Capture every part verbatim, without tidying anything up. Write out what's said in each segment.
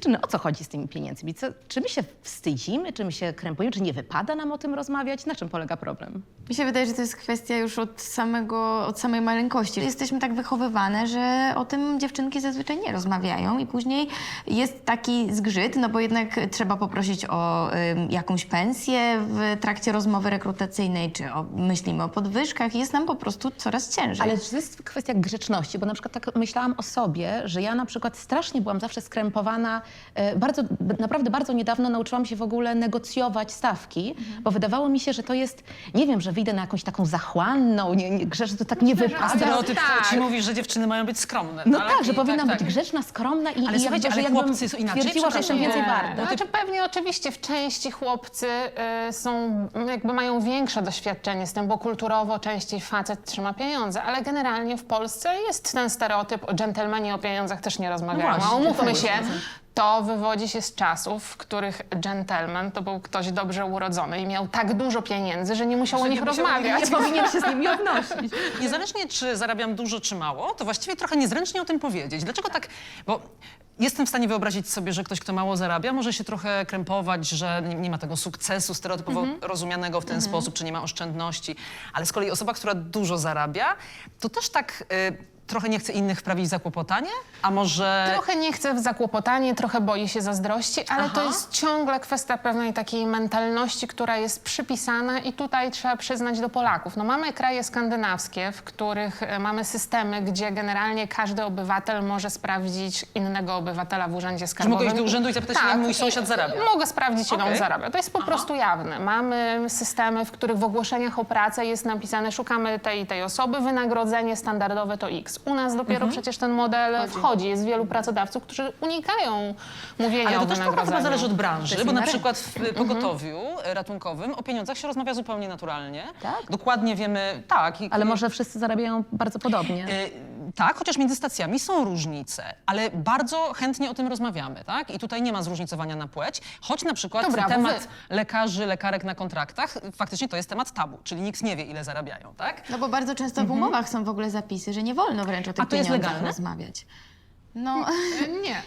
Dziewczyny, o co chodzi z tymi pieniędzmi? Co, czy my się wstydzimy, czy my się krępujemy, czy nie wypada nam o tym rozmawiać? Na czym polega problem? Mi się wydaje, że to jest kwestia już od, samego, od samej maleńkości. Jesteśmy tak wychowywane, że o tym dziewczynki zazwyczaj nie rozmawiają i później jest taki zgrzyt, no bo jednak trzeba poprosić o y, jakąś pensję w trakcie rozmowy rekrutacyjnej, czy o, myślimy o podwyżkach i jest nam po prostu coraz ciężej. Ale to jest kwestia grzeczności, bo na przykład tak myślałam o sobie, że ja na przykład strasznie byłam zawsze skrępowana. E, bardzo, naprawdę bardzo niedawno nauczyłam się w ogóle negocjować stawki, mhm. bo wydawało mi się, że to jest, nie wiem, że wyjdę na jakąś taką zachłanną, nie, nie, że to tak nie wypada. Stereotyp tak. ci mówi, że dziewczyny mają być skromne. No ale tak, że i powinnam tak, być tak. grzeczna, skromna i, Ale i słuchajcie, jakby, ale że jakbym chłopcy są inaczej, twierdziła, że jestem więcej przepraszam. warta. No, znaczy pewnie oczywiście w części chłopcy y, są, jakby mają większe doświadczenie z tym, bo kulturowo częściej facet trzyma pieniądze, ale generalnie w Polsce jest ten stereotyp, o dżentelmeni o pieniądzach też nie rozmawiają. No właśnie, A umówmy tak. się, to wywodzi się z czasów, w których dżentelmen to był ktoś dobrze urodzony i miał tak dużo pieniędzy, że nie musiał o nich nie musiał o nich rozmawiać. Nie powinien się z nimi odnosić. Niezależnie, czy zarabiam dużo, czy mało, to właściwie trochę niezręcznie o tym powiedzieć. Dlaczego tak? Bo jestem w stanie wyobrazić sobie, że ktoś, kto mało zarabia, może się trochę krępować, że nie, nie ma tego sukcesu stereotypowo Mhm. rozumianego w ten sposób, czy nie ma oszczędności. Ale z kolei osoba, która dużo zarabia, to też tak y, trochę nie chce innych wprawić w zakłopotanie? A może... Trochę nie chce w zakłopotanie, trochę boi się zazdrości, ale Aha. to jest ciągle kwestia pewnej takiej mentalności, która jest przypisana i tutaj trzeba przyznać do Polaków. No mamy kraje skandynawskie, w których e, mamy systemy, gdzie generalnie każdy obywatel może sprawdzić innego obywatela w urzędzie Czy skarbowym. mogę iść do urzędu i zapytać, ile mój sąsiad zarabia? Mogę sprawdzić, ile Okej. on zarabia. To jest po prostu jawne. Mamy systemy, w których w ogłoszeniach o pracę jest napisane, szukamy tej i tej osoby, wynagrodzenie standardowe to X. U nas dopiero przecież ten model wchodzi. Jest wielu pracodawców, którzy unikają mówienia Ale o to też trochę wynagrodzeniu. chyba zależy od To branży, jest bo na inna przykład w pogotowiu ratunkowym o pieniądzach się rozmawia zupełnie naturalnie. Tak? Dokładnie wiemy, tak. i- Ale i- może wszyscy zarabiają bardzo podobnie. Y, tak, chociaż między stacjami są różnice, ale bardzo chętnie o tym rozmawiamy, tak? I tutaj nie ma zróżnicowania na płeć, choć na przykład To brawo, temat wy. lekarzy, lekarek na kontraktach, faktycznie to jest temat tabu, czyli nikt nie wie, ile zarabiają, tak? No bo bardzo często w umowach są w ogóle zapisy, że nie wolno wręcz o tych A to jest pieniądzach legalne? rozmawiać. No, Nie.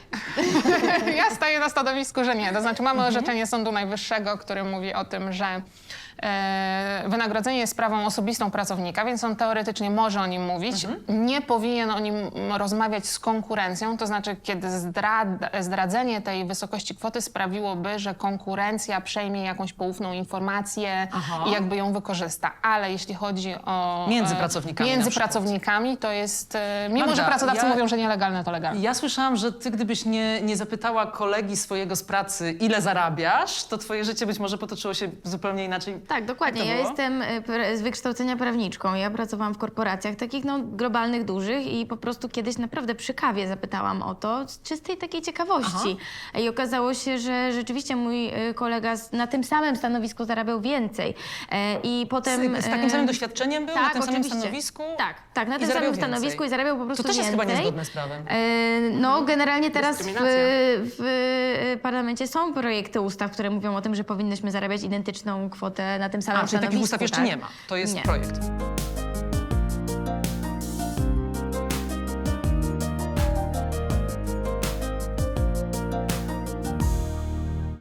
Ja staję na stanowisku, że nie. To znaczy mamy orzeczenie Sądu Najwyższego, które mówi o tym, że e, wynagrodzenie jest sprawą osobistą pracownika, więc on teoretycznie może o nim mówić. Nie powinien o nim rozmawiać z konkurencją, to znaczy kiedy zdrad, zdradzenie tej wysokości kwoty sprawiłoby, że konkurencja przejmie jakąś poufną informację Aha. i jakby ją wykorzysta. Ale jeśli chodzi o... Między e, pracownikami na Między przykład. pracownikami to jest... e, Mimo, Magda, że pracodawcy ja- mówią, że nielegalne, to legalne. Ja słyszałam, że ty gdybyś nie, nie zapytała kolegi swojego z pracy, ile zarabiasz, to twoje życie być może potoczyło się zupełnie inaczej. tak, dokładnie. Jak to Ja było? jestem y, pra- z wykształcenia prawniczką. Ja pracowałam w korporacjach takich no, globalnych, dużych i po prostu kiedyś naprawdę przy kawie zapytałam o to z czystej takiej ciekawości. I okazało się, że rzeczywiście mój y, kolega z, na tym samym stanowisku zarabiał więcej. E, I potem... Z, z takim e, samym doświadczeniem był, na tak, tym samym oczywiście. stanowisku? Tak, tak, na i tym zarabiał samym stanowisku więcej. i zarabiał po prostu To też jest więcej. chyba niezgodne z prawem. E, No, generalnie teraz w, Dyskryminacja. w parlamencie są projekty ustaw, które mówią o tym, że powinnyśmy zarabiać identyczną kwotę na tym samym A, czyli stanowisku. takich ustaw jeszcze tak? nie ma. To jest Nie. projekt.